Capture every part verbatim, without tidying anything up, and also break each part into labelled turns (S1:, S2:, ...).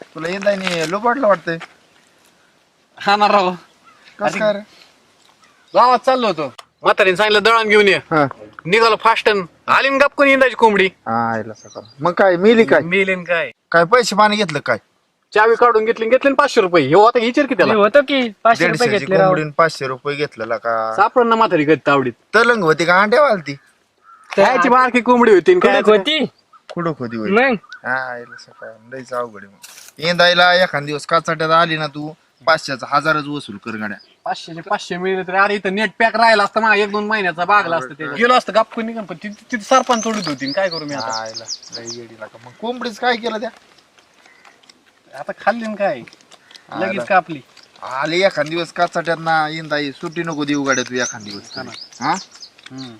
S1: तुला इंदायनी लोबाडलं वाटतंय.
S2: हा ना राव.
S1: कसं काय रे?
S2: गावात चाललो होतो, म्हातारीने सांगितलं दळण घेऊन ये.
S1: हा
S2: निघालो फास्टन, आली न गपकून इंदाची कोंबडी.
S1: हा आईला सकाळ मग काय मिली काय
S2: मेलेन काय,
S1: काय पैसे पाणी घेतलं काय?
S2: चावी काढून घेतली घेतली न पाचशे रुपये. हे आता विचार की त्याला
S3: होतं की पाचशे रुपये
S1: दीडशेची
S3: घेतले राव.
S1: कोंबडीन पाचशे रुपये घेतलेला का?
S2: सापड ना म्हातारी कधी तावडीत.
S1: तलंग होती का अंड्या वालती?
S2: कायची बारकी कोंबडी होती न काय
S3: कुठं होती
S1: खुडूक होती होय.
S3: मग
S1: हा आईला सकाळ लईच अवघड आहे मग. इंदायला एखाद दिवस काचाट्यात आली ना तू पाचशेचा हजारच वसूल कर गाड्या.
S2: पाचशेचे पाचशे मिळले तरी अरे इथं नेट पॅक राहिला असतं मग एक दोन महिन्याचा बागला असतं त्याच्यात. गेलो असतं गपकून निघून, पण तिथे तिथे सरपंच तोडीत होती न काय करू मी आता.
S1: आईला लई येडीला का मग कोंबडीच काय केलं त्या?
S2: आता खाल्ली न काय लगेच
S1: आला.
S2: कापली.
S1: आले एखाद दिवस काचाट्यात ना इंदाई सुट्टी नको देऊ गाड्या तू एखाद दिवस
S2: हा ना.
S1: हा
S2: हम्म.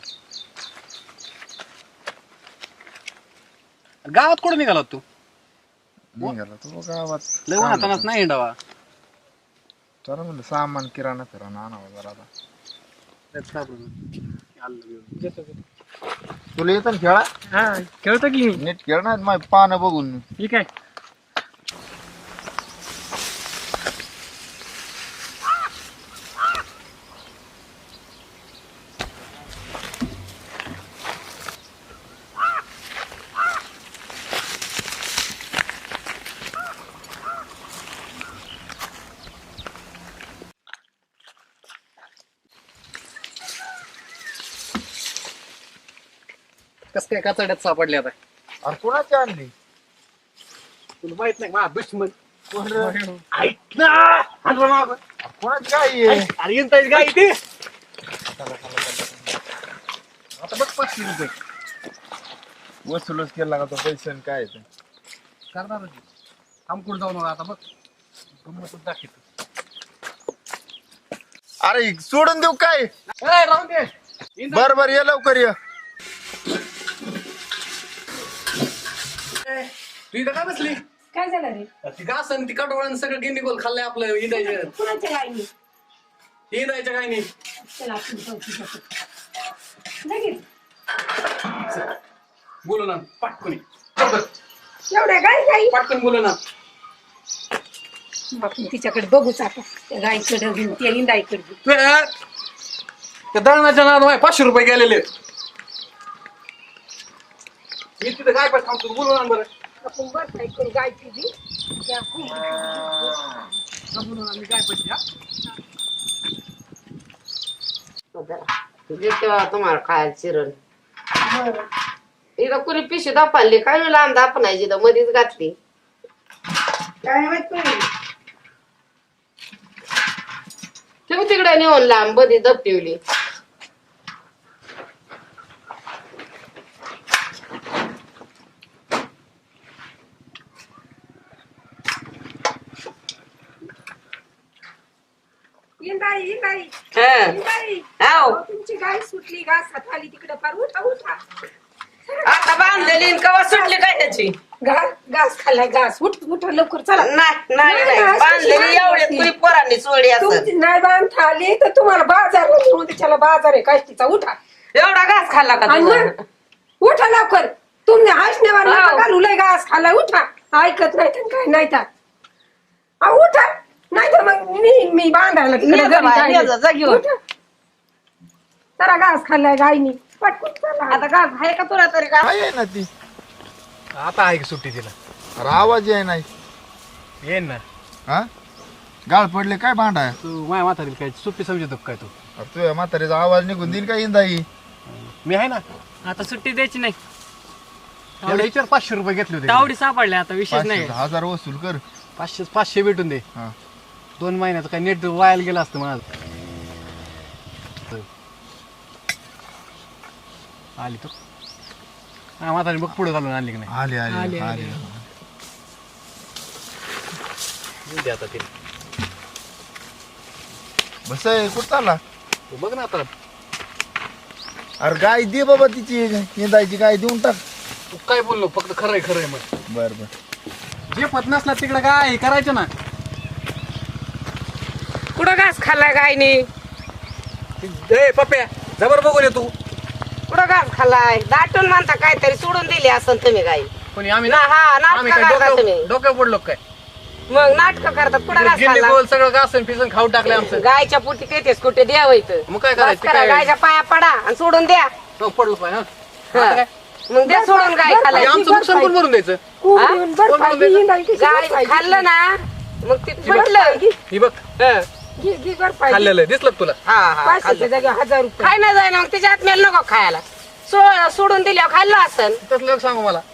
S2: गावात कुठं निघाला तू?
S1: निघाला तू गावात
S2: लय उन्हातानाच नाही हिंडावा.
S1: चला म्हणलं सामान किराणा फिराणा आणावं जरा आता. तुला येतं ना खेळा?
S3: हा खेळतो की मी.
S1: नीट खेळ ना माझी पानं बघून.
S3: ठीक आहे.
S2: कस काय काचड्यात सापडले आता?
S1: अरे कोणाची आणली?
S2: तुला माहित नाही माझा दुश्मन.
S1: कोण रे?
S2: ऐक ना, हाण रे मागं.
S1: अरे कोणाची गाई आहे?
S2: अरे येताय गाय ते. आता बघ पाचशे रुपये
S1: वसूलच केला का तो पैसे आणि काय ते?
S2: करणार थांब कुठं जाऊ नका आता. बघ गंमतच दाखवतो.
S1: अरे सोडून देऊ काय?
S2: ए, राहून दे. इंदा.
S1: बर बर ये लवकर ये.
S2: तू इथं काय बसली?
S4: काय झालं रे?
S2: ती घास आणि ती कटोळण सगळं गिंडीगोल खाल्लंय आपलं इंदायच्या.
S4: कुणाच्या गाईने?
S2: इंदायच्या काय नाही.
S4: चला आपण चौकी जातो. लगेच
S2: बोलू ना पाटकुनी.
S4: एवढ्या गाई गाई
S2: पाटकन बोलू ना.
S4: आपण तिच्याकडे बघूच आता. त्या गाईकडे घेऊन त्या इंदाईकडे घेऊन.
S2: तू या- त्या दळणाच्या नाद पाचशे रुपये गेलेले. मी तिथं काय पण थांबतो. बोलू ना बरं.
S4: आपण बस ऐकून गाय तुझी त्या
S2: बोलू ना मी काय पैसे हा?
S5: देते तुम्हाला खायला चिरण इथं कुणी पिशवी दापाली काय लांब दापणायची तर मध्येच घातली
S4: काय माहित नाही.
S5: ठेव तिकडे नेऊन लांब मध्ये दपटिवली.
S4: इंदाई इंदाई
S5: हा.
S4: इंदाई
S5: आव.
S4: अहो, तुमची गाय सुटली घासात आली तिकडे पार उठा उठा.
S5: आता बांधलेली आणि कवा सुटली काय त्याची
S4: घास घास खाल्लाय घास उठ उठा लवकर चला.
S5: नाही नाही
S4: नाही,
S5: नाही.
S4: नाही,
S5: बांधलेली
S4: अशी
S5: एवढ्यात
S4: नाही.
S5: कुणी पोरांनी सोडली असं
S4: तुमची नाही बांधता आली तर तुम्हाला बाजार नेऊन त्याच्याला बाजार आहे काष्टीचा उठा.
S5: एवढा घास खाल्ला का
S4: आणि
S5: तुम्ही?
S4: मग उठा लवकर. तुम्ही हासण्यावर
S5: हो.
S4: नका घालू लय घास खाल्लाय उठा. ऐकत नाही तर काय नाही तर अहो, उठा नाही तर मग मी मी बांधायला तिकडे
S5: ये जा
S4: घरी
S5: बाई,
S4: जाईल.
S5: ये जा, जा घेऊन.
S4: उठा. जरा घास खाल्लाय गायनी पटकन चला.
S5: आता घास आहे का तुला तरी का
S1: काय आहे ना ती?
S2: आता आहे की सुट्टी तिला.
S1: अरे आवाज आहे नाही.
S2: येईन ना.
S1: हा गाळ पडले काय भांडा?
S2: तू माझ्या म्हातारीला काय सुट्टी समजतो का काय तू?
S1: अरे तुझ्या म्हातारीचा आवाज निघून देईल का इंदाई?
S2: मी आहे ना.
S3: आता सुट्टी द्यायची नाही.
S2: एवढे विचार पाचशे रुपये घेतले होते.
S3: तावडी सापडल्या आता विशेष नाही.
S1: पाचशे हजार वसूल कर.
S2: पाचशे पाचशे भेटून दे.
S1: हा
S2: दोन महिन्याचं काय नेट वायाला गेलं असतं माझं. आली तो हा म्हातारी बघ पुढे घालून आणली की नाही.
S1: आले आले
S3: आले,
S1: आले.
S2: येऊ दे आता तिला.
S1: बस आहे कुठं चालला?
S2: तू बघ ना आता.
S1: अरे गाय दे बाबा तिची इंदायची गाय देऊन टाक.
S2: तू काय बोललो फक्त खरंय खरंय मग.
S1: बर बर
S2: जे पत नसला तिकडे काय करायचं ना.
S5: कुठं घास खाल्लाय गायनी?
S2: ए पप्प्या जबर बघून ये तू.
S5: कुठं घास खाल्लाय? दाटून म्हणता काहीतरी सोडून दिली असं तुम्ही गाई.
S2: कोणी आम्ही
S5: ना
S2: ना
S5: हा
S2: आम्ही
S5: नाटकं
S2: काय
S5: करता तुम्ही.
S2: डोक्यावर डोक्यावर पडलो काय?
S5: मग नाटक करतात कुठं घास
S2: गिल्ली
S5: खाल्ला?
S2: गोल सगळं घासून फिसून खाऊन टाकले आमचं.
S5: गायच्या पोटी तेच कुठे द्यावं इथं
S2: मग काय करायचं?
S5: बस करा,
S2: काय?
S5: गायच्या पाया पडा आणि सोडून द्या
S2: हो, पडलो पाय, हा.
S5: हा.
S2: आता काय?
S5: मग द्या सोडून गाय
S2: हे
S5: खाल्ला
S2: आमचं नुकसान कोण भरून द्यायचं?
S4: कोंबडीहून बरं
S2: कोण
S4: पाहिजे,
S2: बोलतंय?
S4: हिंडायची
S5: गाय
S4: बरं पाहिजे.
S5: खाल्लं ना मग ते
S4: बरं
S5: पडलं
S4: पाहिजे.
S2: ही बघ
S5: हं.
S4: घे- घे बरं पाहिजे.
S2: खाल्लेलं आहे. दिसलं का तुला?
S5: हा हा
S4: पाचशेच्या
S5: खाल्लं.
S4: जागी हजार रुपये
S5: खाय ना जाय ना मग त्याच्या आत्म्याला नको खायला सो- सोडून दिल्यावर खाल्लं असन
S2: तसलं लोक सांगू मला.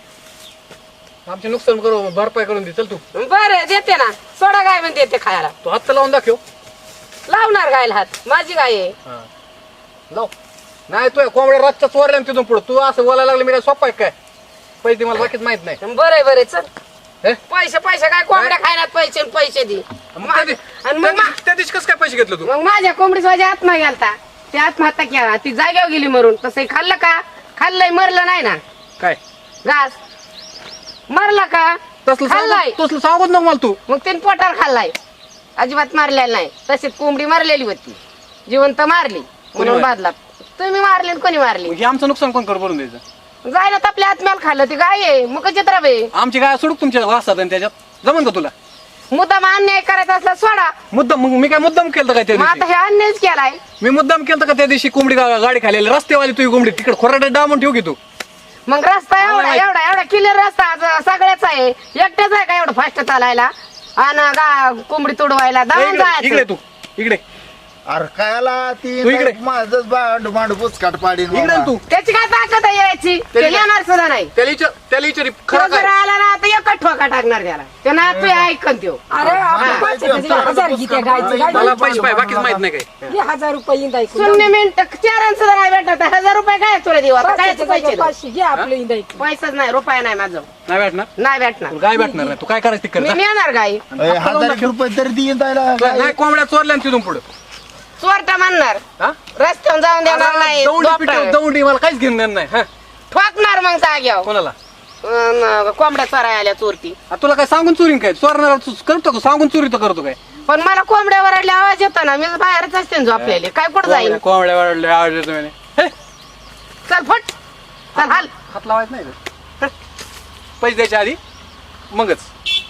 S2: आमचे नुकसान करू भरपाई करून दे. चल तू
S5: बरं देते ना सोडा गाय पण देते खायला
S2: तू हात लावून दाखव.
S5: लावणार गायला हात माझी गाय आहे
S2: हा. लाव. नाही तू कोंबड्या रातच्या चोरल्या तिथून पुढे तू असं बोलायला लागलं मी काय सोपा आहे काय? पैसे मला बाकीच माहित नाही.
S5: बरं बरं चल
S2: हे?
S5: पैसे पैसे काय कोंबड्या खायला पैसे आणि पैसे दे
S2: मग त्या दिवशी-
S5: आणि
S2: त्या
S5: मग मा-
S2: दिवशी- त्या दिवशी कसं काय पैसे घेतलं तू?
S5: मग माझ्या कोंबडीच माझ्या आत्मा गेलता ते आत्महत्या केला ती जाग्यावर गेली मरून तसं खाल्लं का खाल्लंय मरलं नाही ना
S2: काय
S5: घास मरला का
S2: तसलं
S5: खाल्लाय
S2: सांगू- तसलं सांगत नको मला तू.
S5: मग तिने पोटावर खाल्लाय अजिबात मारलेला नाही तशीच कोंबडी मारलेली होती जिवंत मारली म्हणून
S2: मारली?
S5: बादला तुम्ही मारली आणि कोणी मारली
S2: मग हे आमचं नुकसान कोण कर भरून द्यायचं?
S5: जायला तर आपल्या आत्म्याला खाल्लं ती गाय आहे मग चित्र बे
S2: आमची काय सोडूक तुमच्या वासात आणि त्याच्यात जमन का तुला?
S5: मुद्दाम अन्याय करायचा असला सोडा
S2: मुद्दाम मग मी काय मुद्दाम केलं काय त्या
S5: मग आता
S2: दिवशी?
S5: हे अन्यायच केलाय
S2: मी मुद्दाम केलं का त्या दिवशी कोंबडी गा- गाडी खाली रस्तेवाली तुझी कोंबडी तिकडे खोराडे डामून ठेव की तू.
S5: मग रस्ता एवढा
S2: माहित.
S5: एवढा एवढा क्लिअर रस्ता आज सगळ्याचा आहे एकट्याच आहे का एवढं फास्ट चालायला आणि गा- कोंबडी तुडवायला
S2: ए,
S5: दळून
S2: इकडे इकडे
S5: जायचं
S2: तू इकडे
S1: अरे कायला ती
S2: तू इकडे.
S1: माझंच मांडू मांडू पुचकाट पाडीन
S2: इकडे
S1: बाबा.
S2: तू
S5: त्याची काय ताकद आहे यायची ते
S2: त्याची काय-
S5: येणार सुद्धा नाही
S2: त्याला विचार त्याला विचारी
S5: तो
S2: खरं
S5: जर
S2: काय?
S5: आला ना तर एकच ठोका टाकणार त्याला ते ना तू ऐकन त्यो
S4: अरे आपण
S1: हा.
S4: पाचशेच्या जागी हजार घे त्या गायचं. गाय
S2: मला पैसे पाहिजे बाकीच माहित नाही काय.
S4: घे हजार रुपये इंदायचं.
S5: शून्य मिनिट चार सुद्धा नाही भेटत हजार रुपये काय तुला देऊ आता काय
S4: पाचशेच्या जागी
S5: पैसे
S4: पाचशे घे आपलं इंदायचं.
S5: पैसाच नाही रुपया नाही माझं
S2: नाही भेटणार
S5: नाही भेटणार
S2: तुला काय भेटणार नाही. तू काय करायचं ते कर
S5: मी
S2: जा.
S5: नेणार गाई
S1: ए, हजार एक रुपये तरी देईन द्यायला
S2: तुला नाही कोंबड्या चोरल्या ना तिथून पुढे
S5: चोरटा म्हणणार रस्त्यावर जाऊन देणार नाही
S2: दौंडी
S5: दोपटा.
S2: पिटव- दौंडी मला काहीच घेऊन देणार नाही. हा
S5: ठोकणार मग जाग्यावर
S2: कोणाला?
S5: अन कोंबड्या चोराय आल्या चोरती
S2: आ, तुला काय सांगून चोरीन काय? चोरणार तू करतो का? सांगून चोरी तर करतो काय?
S5: पण मला कोंबड्या वरडले आवाज येतो ना मी बाहेरच असते ना झोपलेले काय कुठं जाईल
S2: कोंबड्या- कोंबड्या वाढले आवाज येतो म्हणे. हे,
S5: चल फट चल हाल
S2: हात लावायचं नाही का? हे, पैसे द्यायच्या आधी मगच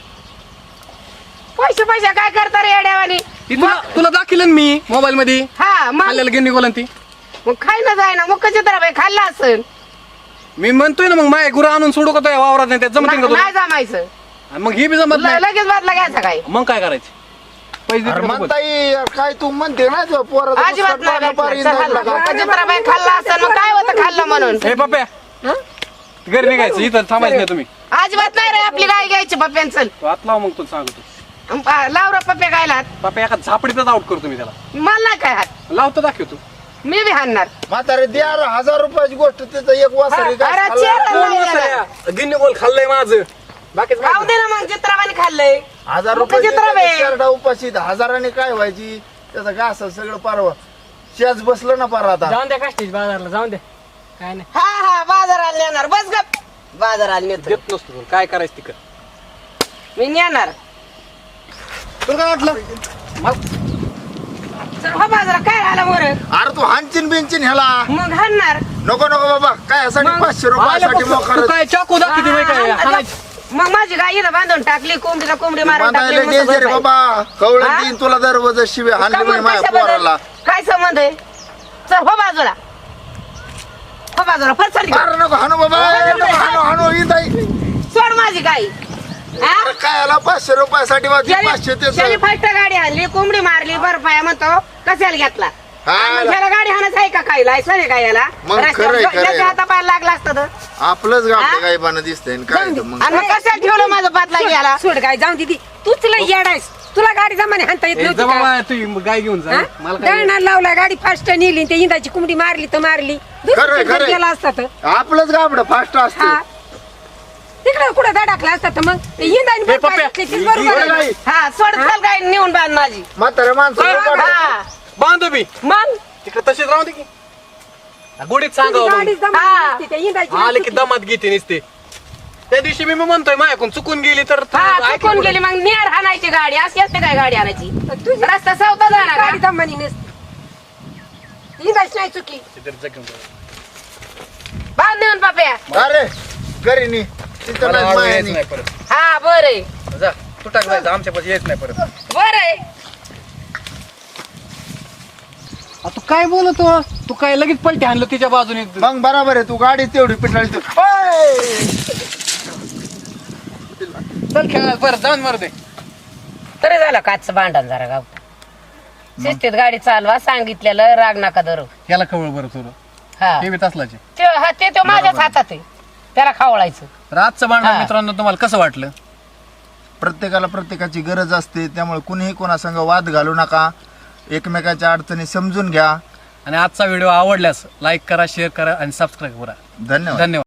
S5: पैसे पैसे काय करता रे येड्यावानी
S2: ती तुला तुला दाखिल मी मोबाईल मध्ये
S5: हा मग
S2: खाल्ल्याला गिन्नी गोलन ती.
S5: मग खाय ना जाय ना मग कशी तर बाई खाल्ला असेल
S2: मी म्हणतोय ना मग माय गुरु आणून सोडू का तो या वावरात नाही त्यात जमतील का तुला?
S5: नाही जमायचं
S2: आणि मग हे बी जमत
S5: ल-
S2: नाही
S5: लगेच बदला घ्यायचा काय
S2: मग काय करायचं? पैसे देतो
S1: अरे
S2: का बघ.
S1: म्हणता येईल काय तू म्हणते ना तो पोराचं
S5: अजिबात
S1: पुचकाट
S5: नाही
S1: पाडणं पार
S5: भेटणार. चल,
S1: इंदायला
S5: हाल.
S1: का?
S5: कशी तर बाई खाल्ला असेल मग काय होतं खाल्लं म्हणून
S2: हे पप्प्या घरी निघायचं इथं थांबायचं नाही तुम्ही.
S5: अजिबात नाही रे आपली गाय घ्यायची पप्प्यान चल
S2: तू हात लाव मग तुला सांगतो.
S5: अं, पा- लाव रे पप्प्या गायला
S2: पप्प्या एका झापडीतच आउट करतो मी त्याला.
S5: मला नाही काय हात
S2: लावतो दाखव तू.
S5: मी बी हाणणार
S1: म्हातारे द्या रे, हजार रुपयाची गोष्ट तिथं एक वासरी
S5: हा, अरे चेहरा
S2: गिन्नी गोल खाल्लंय माझं बाकीच
S5: राहू दे ना मग चित्राबाने खाल्लंय
S1: हजार
S5: मग
S1: रुपये
S5: त्याच्यात राहावे.
S1: शर्टा उपाशी हजाराने काय व्हायची त्याचा घास सगळं पारवा शेज बसलं ना पार आता
S3: जाऊन द्या काष्टीच बाजारला जाऊन द्या काय नाही.
S5: हा हा बाजाराला नेणार बस गप बाजाराला नेतो
S2: देत नसतो तुला. काय करायचं ती कर.
S5: मी नेणार
S2: तुला काय वाटलं? मग
S5: चल हो बाजारात काय आला मोर
S1: अरे तू हानचिन बिनचिन ह्याला
S5: मग हाणणार
S1: नको नको बाबा काय यासाठी
S5: मग?
S1: पाचशे रुपयासाठी
S2: तू
S1: मोकार
S2: काय चाकू दाखवते बाई काय हाणायची?
S5: मग माझी गाय इथं बांधून टाकली कोंबडीला कोंबडी मारून टाकली
S1: बांधायला
S5: मग
S1: डेंजर
S5: बस
S1: बाबा कवळ
S5: हा?
S1: देईन तुला दरवाजा शिवे
S5: बाई.
S1: हाणली
S5: का
S1: म्हणे
S5: मग
S1: माझ्या
S5: कशाबद्दल?
S1: पोराला
S5: काय संबंध आहे चल हो बाजूला हो बाजूला फरसड
S1: अरे नको हाणू बाबा ए, नको हाणू हाणू ही ताई.
S5: सोड माझी गाय हा?
S1: अरे काय याला पाचशे रुपयासाठी वाजली पाचशे
S5: त्याने
S1: ते
S5: फास्ट गाडी आणली कोंबडी मारली बरं म्हणतो कशाला घेतला
S1: हा.
S5: आणि ह्याला गाडी हाणच आहे का काय लायसन आहे का याला
S1: मग
S5: रस्त्यावर
S1: खरंय, खरंय.
S5: ज्याच्या हातापायाला लागला असतं तर
S1: आपलंच
S5: हा?
S1: गाव काय पानं दिसतंय आणि काय तर मग
S5: आणि मग कशाला ठेवलं माझं पातला घ्यायला
S4: सोड गाय जाऊन दिदी तूच लय येडायस तुला गाडी जमाने हाणता येत
S2: ए,
S4: नव्हती
S2: जा
S4: का?
S2: बाबा, तू गाय घेऊन जा
S4: हा?
S2: मला काय
S4: दळणाला लावला गाडी फास्ट नेली ते इंदाची कुंबडी मारली तर मारली
S1: खरंय,
S4: दुसरीकडे
S1: खरंय.
S4: गेला असता तर
S1: आपलंच गाबड फास्ट
S4: हा
S1: असतं
S4: तिकडे कुठं धडाकला असता तर मग ते इंदाने
S2: हे
S4: पण
S2: पप्प्या.
S4: पाहिजे, तेच बरोबर आहे.
S1: गाई.
S5: हा सोड चल गाय नेऊन बांध माझी
S1: म्हातारे माणसं
S5: हा
S2: बांधतो बी
S5: मग
S2: तिकडे तशीच राहू दे की गोडीत
S4: तुझी
S2: सांगा
S4: गाडी
S5: हा.
S4: जमाने नसती, त्या इंदाची
S2: आले की
S4: नसती.
S2: दमात घेते नसते त्या दिवशी मी म्हणतोय माझ्याकडून चुकून गेली तर तू
S5: हा
S2: ऐक
S5: चुकून
S2: पुढं.
S5: गेली मग नियर हाणायची गाडी अशी असते काय गाडी आणायची
S4: तुझी
S5: रस्ता चौथा जाणार
S4: गाडी
S5: का?
S4: जमाने नसती इंदाची नाही चुकी
S2: तिथे जा घेऊन जा.
S5: बांध नेऊन पाप्या
S1: अरे घरी नी तिथं
S2: मला
S1: नाही
S2: आडवं
S1: माया
S2: यायचं
S1: नी.
S2: नाही परत
S5: हा बरं
S2: जा तू टाक जायचं आमच्या पाशी येत नाही परत.
S5: बरं आहे.
S2: आ, तू काय बोलतो तू काय लगेच पलटी आणलं तिच्या बाजूने.
S1: मग बरोबर आहे, तू गाडी तेवढी पिटाळी तू.
S2: चल खेळा बरं जाऊन मरू दे.
S5: तरी झालं काचचं भांडण जरा गाव शिस्तीत गाडी चालवा सांगितलेलं राग नका धरू.
S2: याला खवळ बरं तुला
S5: हा
S2: हे बी तसलाचे.
S5: ते हा ते तो माझ्याच हातात आहे त्याला खावळायचं.
S2: रातचं भांडण
S5: हा.
S2: मित्रांनो तुम्हाला कसं वाटलं?
S1: प्रत्येकाला प्रत्येकाची गरज असते, त्यामुळे कुणीही कोणासंग वाद घालू नका, एकमेकाच्या अडचणी समजून घ्या.
S2: आणि आजचा व्हिडिओ आवडल्यास लाईक करा, शेअर करा आणि सबस्क्राईब करा.
S1: धन्यवाद.
S2: धन्यवाद.